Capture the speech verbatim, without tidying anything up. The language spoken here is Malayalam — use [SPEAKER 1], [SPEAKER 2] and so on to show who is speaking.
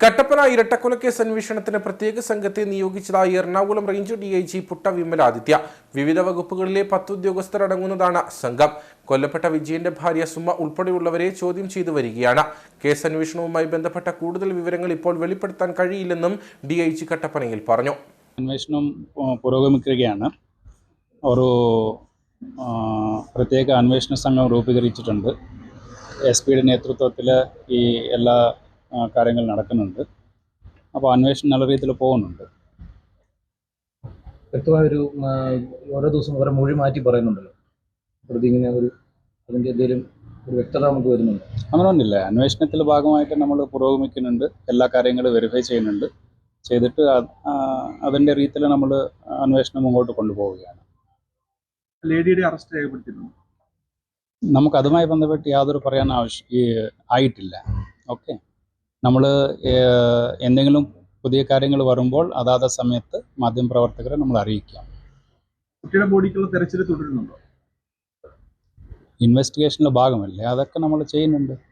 [SPEAKER 1] കട്ടപ്പന ഇരട്ടക്കൊലക്കേസ് അന്വേഷണത്തിന് പ്രത്യേക സംഘത്തെ നിയോഗിച്ചതായി Ernakulam range D I G Putta Vimaladitya. വിവിധ വകുപ്പുകളിലെ പത്ത് ഉദ്യോഗസ്ഥരടങ്ങുന്നതാണ് സംഘം. കൊല്ലപ്പെട്ട വിജയന്റെ ഭാര്യ സുമ ഉൾപ്പെടെയുള്ളവരെ ചോദ്യം ചെയ്തു വരികയാണ്. കേസ് അന്വേഷണവുമായി ബന്ധപ്പെട്ട കൂടുതൽ വിവരങ്ങൾ ഇപ്പോൾ വെളിപ്പെടുത്താൻ കഴിയില്ലെന്നും ഡി ഐ ജി കട്ടപ്പനയിൽ പറഞ്ഞു.
[SPEAKER 2] അന്വേഷണം പുരോഗമിക്കുകയാണ്. ഒരു പ്രത്യേക അന്വേഷണ സംഘം രൂപീകരിച്ചിട്ടുണ്ട്. എസ് പിയുടെ നേതൃത്വത്തിൽ ഈ എല്ലാ കാര്യങ്ങൾ നടക്കുന്നുണ്ട്. അപ്പോൾ അന്വേഷണം നല്ല രീതിയിൽ പോകുന്നുണ്ട്.
[SPEAKER 3] വ്യക്തമായൊരു ഓരോ ദിവസം ഓരോ മൊഴി മാറ്റി പറയുന്നുണ്ടല്ലോ, പ്രതി ഇങ്ങനെ ഒരു അതിൻ്റെ എന്തെങ്കിലും ഒരു വ്യക്തത നമുക്ക് വരുന്നുണ്ട്?
[SPEAKER 2] അങ്ങനെയൊന്നുമില്ല. അന്വേഷണത്തിൻ്റെ ഭാഗമായിട്ട് നമ്മൾ പുരോഗമിക്കുന്നുണ്ട്. എല്ലാ കാര്യങ്ങളും വെരിഫൈ ചെയ്യുന്നുണ്ട്. ചെയ്തിട്ട് അതിൻ്റെ രീതിയിൽ നമ്മൾ അന്വേഷണം മുമ്പോട്ട് കൊണ്ടുപോവുകയാണ്.
[SPEAKER 4] ലേഡിയുടെ അറസ്റ്റ് രേഖപ്പെടുത്തിയിട്ടുണ്ട്.
[SPEAKER 2] നമുക്ക് അതുമായി ബന്ധപ്പെട്ട് യാതൊരു പറയാൻ ആവശ്യം ആയിട്ടില്ല. ഓക്കെ, നമ്മൾ എന്തെങ്കിലും പുതിയ കാര്യങ്ങൾ വരുമ്പോൾ അതാത് സമയത്ത് മാധ്യമപ്രവർത്തകരെ നമ്മൾ അറിയിക്കാം.
[SPEAKER 4] കുട്ടിയുടെ ബോഡിക്കുള്ള തെരച്ചിൽ തുടരുന്നുണ്ടോ?
[SPEAKER 2] ഇൻവെസ്റ്റിഗേഷൻ്റെ ഭാഗമല്ലേ, അതൊക്കെ നമ്മൾ ചെയ്യുന്നുണ്ട്.